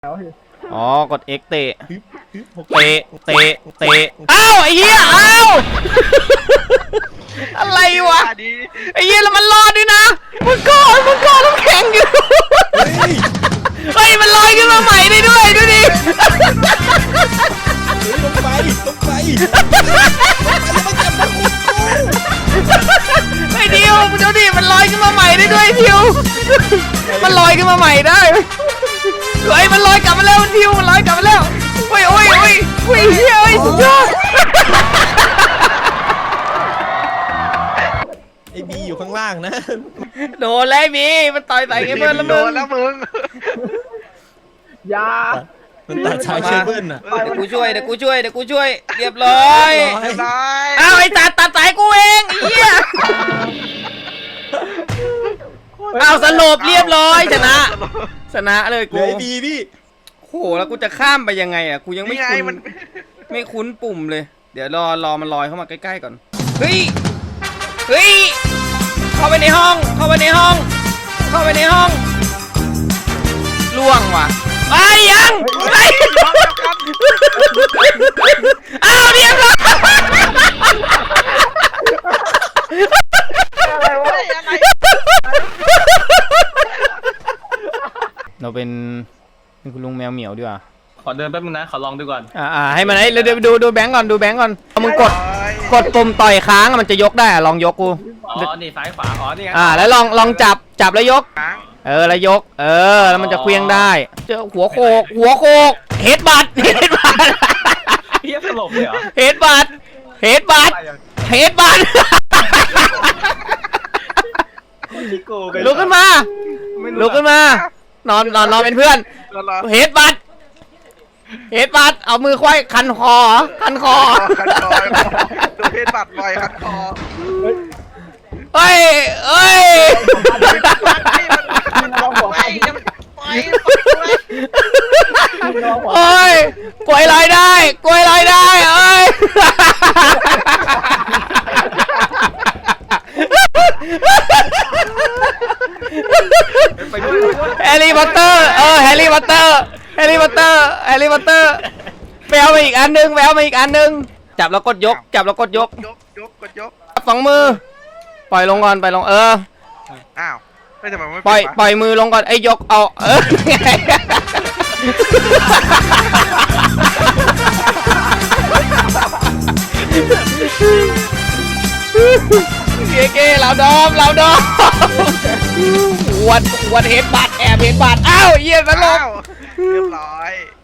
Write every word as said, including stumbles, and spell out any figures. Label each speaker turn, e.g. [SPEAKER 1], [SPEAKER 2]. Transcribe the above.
[SPEAKER 1] อ๋อกด X เตะเตะเตะเตะอ้าวไอ้เหี้ยอ้าวอะไรวะไอ้เหี้ยแล้วมันรอดด้วยนะมันก่อนมันก่อนน้ำแข็งอยู่เฮ้ยมันลอยขึ้นมาใหม่ได้ด้วยดูดิ
[SPEAKER 2] ลงไปลงไป
[SPEAKER 1] ไอ้ดิวดูดิมันลอยขึ้นมาใหม่ได้ด้วยดิวมันลอยขึ้นมาใหม่ได้เฮ้ยมันลอยกลับมาแล้วดิวมันลอยกลับมาแล้วโอ้ยโอ้ยโอ้ยโอ้ยเฮ้ยสุดยอด
[SPEAKER 2] ไอ้บีอยู่ข้างล่างนะ
[SPEAKER 1] โดนแล้วบีมันต่อยใส่ไอ้เบิร์นแล้วมึง
[SPEAKER 3] โดนแล้วมึง
[SPEAKER 4] ยา
[SPEAKER 2] มันตัดชายเชเบิลน่ะ
[SPEAKER 1] เดี๋ยวกูช่วยเดี๋ยวกูช่วยเดี๋ยวกูช่วยเรียบร้อย
[SPEAKER 3] เรียบร้อย
[SPEAKER 1] อ้าวไอ้ตัดตัดสายกูเองไอ้เหี้ยอ้าวสลบเรียบร้อยชนะชนะเลยกู
[SPEAKER 2] ไอ้บีพี่
[SPEAKER 1] โหแล้วกูจะข้ามไปยังไงอ่ะกูยังไม่
[SPEAKER 3] นี่ไง
[SPEAKER 1] คุ้น
[SPEAKER 3] มัน
[SPEAKER 1] ไม่คุ้นปุ่มเลยเดี๋ยวรอรอมันลอยเข้ามาใกล้ๆก่อนเฮ้ยเฮ้ยเข้าไปในห้องเข้าไปในห้องเข้าไปในห้องล่วงว่ะไอ้ยังไอ้อ้าวเรียบร้อย
[SPEAKER 3] อะไรวะอะไร
[SPEAKER 1] เราเป็นเป็นคุณลุงแมวเหมียวดีกว่า
[SPEAKER 5] ขอเดินแป๊บนึงนะขอลองดูก่อน
[SPEAKER 1] อ่าให้มันไอ้เดี๋ยวดูดูแบงก์ก่อนดูแบงก์ก่อนเอามึงกดกดปุ่มต่อยค้างมันจะยกได้อะลองยกกู
[SPEAKER 5] อ๋อนี่ซ้ายขวาอ๋อนี่ไง
[SPEAKER 1] อ่าแล้วลองลองจับจับแล้วยกเออแล้วยกเออแล้วมันจะเคลื่อนได้เจอหัวโคกหัวโคกเฮดบัตเฮดบัต
[SPEAKER 5] เฮียสลบเลยเหรอ
[SPEAKER 1] เฮดบัตเฮดบัตเฮดบัตลุกขึ้นมาลุกขึ้นมานอนนอนนอนเป็นเพื่อนเฮดบัตเฮดบัตเอามือควายคันคอคันคอ
[SPEAKER 3] คันคอตัวเพชรบัตรลอยคันคอ
[SPEAKER 1] เฮ้ยเฮ้ยโอ้ยกล้วยลอยได้กล้วยลอยได้เอ้ยแฮร์รี่พอตเตอร์เออแฮร์รี่พอตเตอร์แฮร์รี่พอตเตอร์แฮร์รี่พอตเตอร์แววมาอีกอันนึงแววมาอีกอันนึงจับแล้วกดยกจับแล้วกดยก
[SPEAKER 3] ยกยกกดยก
[SPEAKER 1] สองมือปล่อยลงก่อนปล่อยลงเออ
[SPEAKER 3] อ้าวไม่ทำไมไม่
[SPEAKER 1] ปล่อยปล่อยมือลงก่อนไอ้ยกเอาเออเก๋เก๋เราดอมเราดอมวันวันเฮดบัตแอบเฮดบัตอ้าวเยี่ยมแล้วลง
[SPEAKER 3] เรียบร้อย